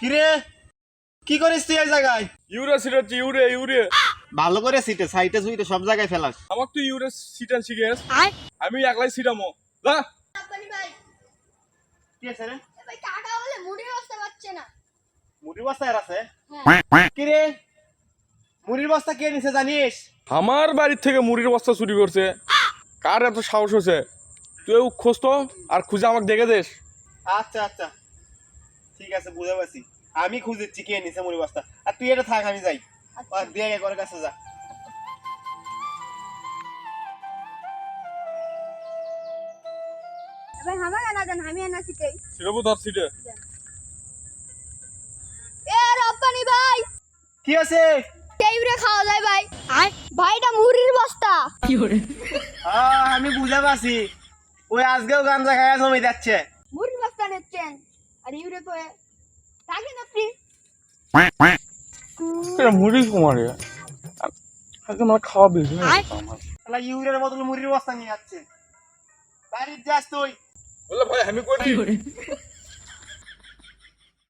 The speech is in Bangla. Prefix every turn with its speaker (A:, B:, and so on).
A: কিরে কি করিস তুই এই জায়গায়?
B: ইউরে সিটাচ্ছি ইউরে
A: ভালো করে সিটে সাইটে সুইটে সব জায়গায় ফেলাস।
B: আমাকে তুই ইউরে সিটান শিখেস আমি একলাই সিটামো যা।
C: আব্বানি ভাই
A: কি আছে রে?
C: এ ভাই টাকা বলে মুড়ি বসতে পারছে না।
A: মুড়ির বস্তা এর আছে?
C: হ্যাঁ
A: কিরে মুড়ির বস্তা কে নিছে জানিস?
B: আমার বাড়ির থেকে মুড়ির বস্তা চুরি করছে। কার এত সাহস হয়েছে? তুই খোঁজ তো আর খুঁজে আমাকে দেখে দেস।
A: আচ্ছা আচ্ছা ঠিক আছে বুঝে পারছি। আমি খুঁজেছি কে নিছে মুড়ির বস্তা। আর তুই এটা থাক আমি যাই। আর দিয়ে গে করে কাছে যা।
C: ভাই হামা গানা দেন আমি এনা শিখাই।
B: সিটাবো ধর সিটে।
C: এ রব্বানি ভাই
A: কি আছে?
C: টেইরে খাওয়া যায় ভাই। ভাইটা মুড়ির বস্তা।
A: আমি বুঝে পারছি। ওই আজকেও গাঞ্জা খায়া জমি যাচ্ছে।
C: মুড়ির বস্তা নেচ্ছেন আর ইউরে কয়ে রাখেন আপনি।
B: মুড়ি কুমারে আজকে আমার খাওয়া বেশি
A: শালা ইউরের বদলে মুড়ির বস্তা নিয়ে যাচ্ছে। বাড়ির যাস তুই।
B: বলে ভাই আমি করি